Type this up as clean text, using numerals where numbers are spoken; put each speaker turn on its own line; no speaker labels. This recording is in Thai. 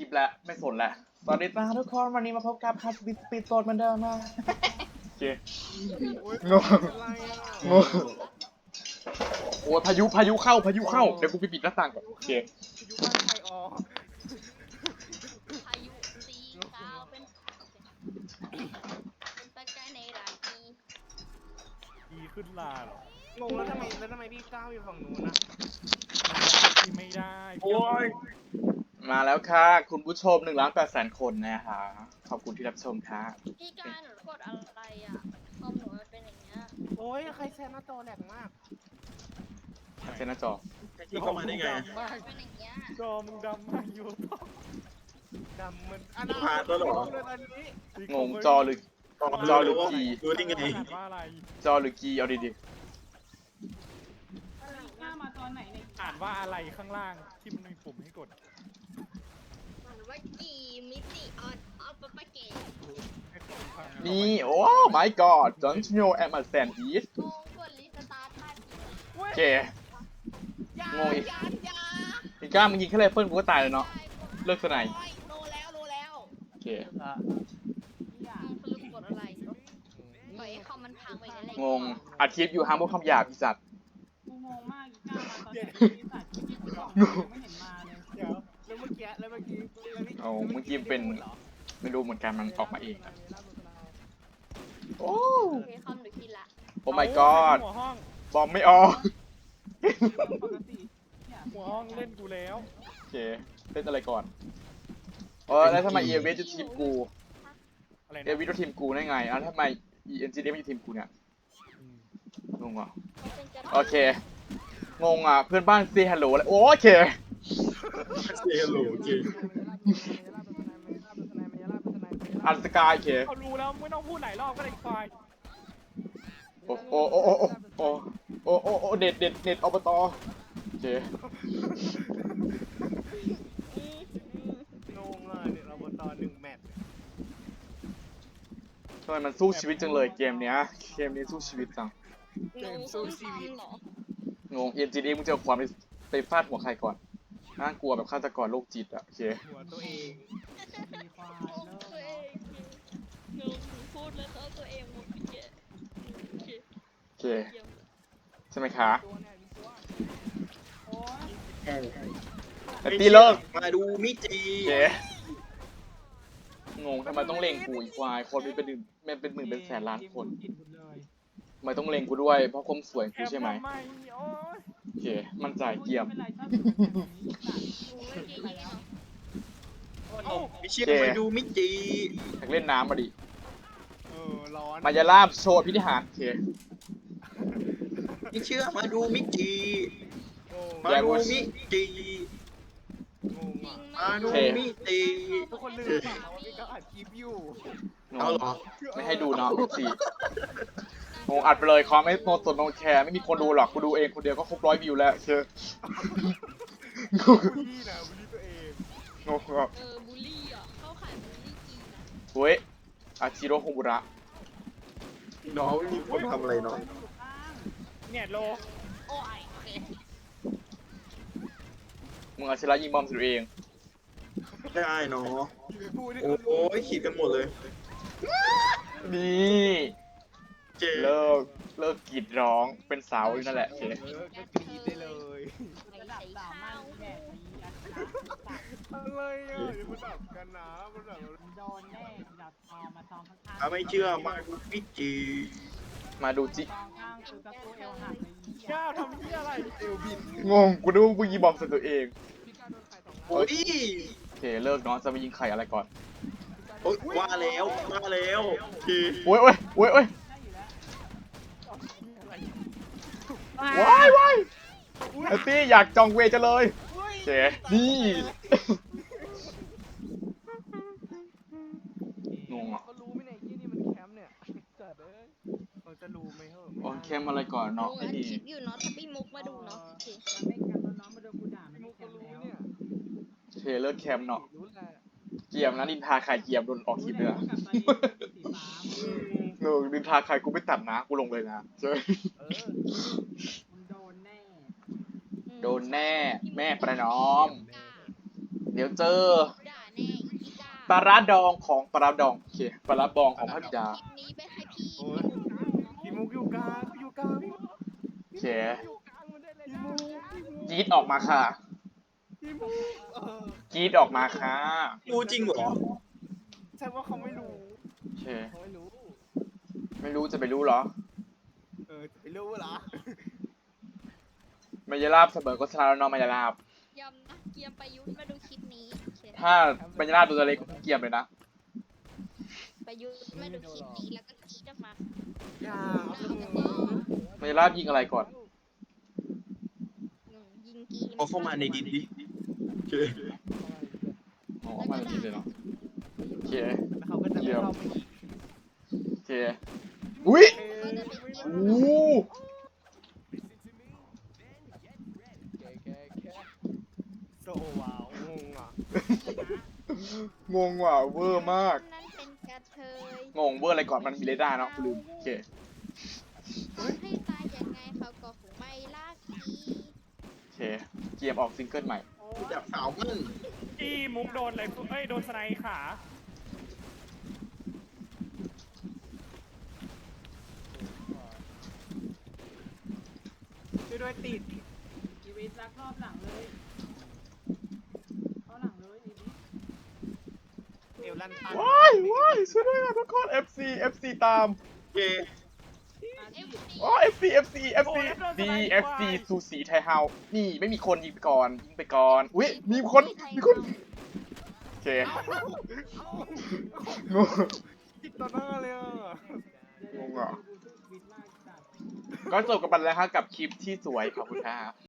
ปแล้วไม่สนแล้วสวัสดีจ้าทุกคนวันนี้มาพบกับคัสบิสปีดโซนเหมือนเดิมนะโอเคงงงงโอ้ยพายุเข้าเดี๋ยวกูไปปิดหน้าต่างก่อนโอเค
พายุบ้านใครออก
พายุสีขาวเป็นตะกายในราคี
ดีขึ้นลาเหรอง
งแล้วทำไมพี่ก้าวอยู่ฝั่งนู้นนะ
ที่ไม่ได้
โอ้ยมาแล้วค่ะคุณผู้ชม1,800,000 คนนะคะขอบคุณที่รับชมค่ะ
พี่กายหนูกดอะไรอ่ะคอมหนูมันเป็นอย่างเงี้ย
โอ้ยใครแซนหน้าจอแหลกมาก
เซนหน้าจอ
ที่เข้ามาได้ไง
มันเป็นอย่างเงี้ย
จอมึงดำมากอยู่
ดำเหมือน
ผ่านแล้วเหรอ
เลยตอนนี้
งงจอหรือ จอหรือกี
ดูได้ไง
อ่านว่าอะไร
จอหรือกีเอาดี
หน้ามาตอนไหนเนี่ย
อ่านว่าอะไรข้างล่างที่มันมีปุ่มให้กด
มันว่ากี่มิติออนปะปะเก๋
ให้คนฟัง
ๆนี่โอ้ my god don't you know I'm a sandwich
งงกดรีสตาร์ทท่าที
โอเค
ยาง
งอีก
ยา
อีกล้ามึงยิงแค่ไรเฟิลกูก็ตายเลยเนาะเลิกสนาย
โอ้ยโลแล้ว
โอเค
สรุปกดอะไรปล่อยให้คอมมันพังไปนั่นแหละ
งงอัดคลิปอยู่ห้ามพูดคำหยาบอีสัตว์
กูงงมากอีก้ามาตอนไหนที่สัตว์ที่กูบอกยังไม่เห็นมาเลย
เดี๋ยวแล้วเมื่อกี้แล้วเมื่อกี้
เป็นไม่รู้เหมือนกันมันออกมาเองอะโอ้
โอเคคอมหนูคิดละ
โอ้ my god
หัวห้อง
บอมไม่ออก
ปกติเนี่ย
หัวห้องเล่นกูแล้ว
โอเคเล่นอะไรก่อนแล้วทำไมเอเวจะทีมกู
อะไร
เอ
นะ
วิจะทีมกูได้ไงทำไม ENGD ไม่อยู่ทีมกูเนี่ยงงอ่ะ
เขาเป็นจะ
โอเคงงอ่ะเพื่อนบ้านซีฮัลโหลอะไรโอเค
เสียหลูจริง
อันสกายโอเค
เขารู้แล้วไม่ต้องพูดหลายรอบก็ได้ควาย
โอ้โอ้โอ้โอ้โอ้โอ้โอ้โอ้เด็ดอบตโอเค
งงเลยเนี่ยเราบนตอน1 แมตช์
ทำไมมันสู้ชีวิตจังเลยเกมเนี้ยสู้ชีวิตจัง
งงสู้ชีวิตเหรอง
ง ENGD มึงจะเอาความไปฟาดหัวใครก่อนน่ากลัวแบบฆาตกรโรคจิตอ่ะโอเค
หัวตัวเอง
มีควาย
งง
เลิก
ตัวเองงงหนูพูดแล้วเขาตัวเองหมดไปเยอะโอเค
โอเค
เยี่ยม
ใช่ไหมคะ
ตัวเนี่ยมีตัวโอ้ย
แต่ตีเลิก
มาดูมิจิ
โอเคงงทำไมต้องเล็งกูอีกควายคนเป็นหมื่นเป็นแสนล้านคน
กินหมดเลย
ทำไมต้องเล็งกูด้วยเพราะความสวยกูใช่ไหม
ทำไมโอ้ย
โอเคมั่นใจเกี่ยม
ไม่เป็นไรชอบกินแบบนี้สัตว์
หนูไม่ดีเนาะ
มิชิมาดูมิจิ
อยากเล่นน้ำมาดิ
ร้อน
มายาลาบโชว์พิธีหารโอเค
ไม่เชื่อมาดูมิจิ
งง
มาดูมิจิ
งงอ่ะ
มาดูมิจิ
ทุกคนลืมเปล่าว่าพี่ก็อัดคลิปอยู่
เอาเหรอ
ไม่ให้ดูเนาะสิโงอัดไปเลยคอมไม่โนสนโนแคร์ไม่มีคนดูหรอกกูดูเองคนเดียวก็ครบ100 วิวแล้วเชื่อ
บูลลี่นะบูลลี่ตัวเอง
งงอ่ะ
บูลลี่อ่ะเข้าข่ายบูลลี่กีนะ
เฮ้ยอาชิโร่คงบุระ
น้องไม่มีคนทำอะไรน้อง
เนี่ยโล
โอ้ยโอเค
มึงอาชิระยิงบอมใส่ตัวเอง
ได้เนาะ
พูดดิ
โอ้ยขีดกันหมดเลย
นี่
เจ๊
เลิกกรีดร้องเป็นสาวอยู่นั่นแหละโอเค
ก็กรีดได้เลย
ระดับสาวมันแบบนี้นะสัตว์
อะไรอ่ะอย่ามาดับกันนะมาดับ
โดนแน่ดับทองมาทองข้างๆ
ถ้าไม่เชื่อมาดูมิจิ
มาดูจิ
ทองข้างกูก็กูเอวหักเลยอีเหี้ย
ก้าวทำที่อะไร
เอลบิน
งงกูนึกว่ากูยิงบอมใส่ตัวเอง
พี่ก้าวโดนใครสองนัด
โอ้ย
โอเคเลิกเนาะจะไปยิงไข่อะไรก่อน
โอ้ยว่าแล้วที
โอ้ยโอ้ย
ได้อยู่แล้ว
ว้ายไอตี้อยากจองเวจะเลยโอเคนี่งงอ่ะ
เขารู้ไหมเนี่ยยี่นี่มันแคมป์เนี่ยจัดเอ้ยเขาจะรู้ไหมเหรอ
โอเคมอะไรก่อน
หนู
เนาะ
อั
ไอ้
ด
นี่
คลิปอยู่เนาะถ้าพี่มุกมาดูเนาะโอเค
มันไม่กันแล้วน้องมาโดนกูด่าไม่
พี่
ได้
มุก
แค
ก็
ม
รู้
แล้ว
เนี่ย
โอเคเลิกแคมป์เนาะ
รู้แหละ
เกียมนะนินทาใครเกียมโดนออกคลิปเลยนะ
กับตอนนี้สีฟ้า
เออนินทาใครกูไม่ตัดนะกูลงเลยนะเจอ
เออ
มึงโดนแน่
โดนแน่แม่ประนอม เดี๋ยวเจอ
ด่าแน่
ปลาร้าดองของปลาร้าดองโอเคปลาร้าบองของพัทยา
คลิปนี้ไปให้พี่
โอ้ยพี่มุกอยู่กลางอยู่กลางพี่มุก
โอเค
อยู่กลางมันได้เลย
พี่มุก
กรีดออกมาค่ะ
พี่มุก
กรีดออกมาค่ะ
รู้จริงเหรอ
ใช่ว่าเขาไม่รู้
โอเค
เขาไม่รู้
ไม่รู้จะไปรู้เหรอ
จะไปรู้เหรอ
มายาลาบเสมอก็ชนะแล้วเน้องมายาลาบ
ยำนะเกียมประยุทธ์มาดูคลิปนี้โอเค
ถ้ามายาลาบตัวเล็กเกียมเลยนะ
ประยุทธ์มาดูคลิปนี้แล้วก็กรี๊ดออกมา
อย่า
เอากันต่อ
มายาลาบยิงอะไรก่อน
ยิงกี
เอาเข้ามาในดินดิโอเค
อ๋อมาจริงเลยเนาะโอเค
แล้วเขาก็จะไม่เข้าไปอีก
โอเคอุ้ย
ก็จะเป็น
โอ้
แค่โซว้าวงงอ่ะ
งงว่ะเวอร์มาก
นั่นเป็นกระเทย
งงเวอร์อะไรก่อนมันมีเรดาร์เนาะลืมโอเค
ให้ตายยังไงเขาก็คงไม่ลากที
โอเคเกียมออกซิงเกิลใหม่
จับสาวมั่ง
อีมุกโดนอะไรเอ้ยโดนสไนขา
ช่วยด้วยติด
อีวิทรักรอบหลังเลยเข้าหลังเลยอีวิท
เอวลั่นตัน
ว้ายว้ายช่วยด้วยนะทุกคน FC ตาม
โอเค
อ๋อ FC DFC สูสีไทยเฮานี่ไม่มีคนยิงไปก่อนยิงไปก่อนอุ้ยมีคนโอเคงง
ติดต่อหน้าเลยอ่ะ
งงอ่ะ
วิทมากจัด
ก็จบกันไปแล้วครับกับคลิปที่สวยขอบคุณครับ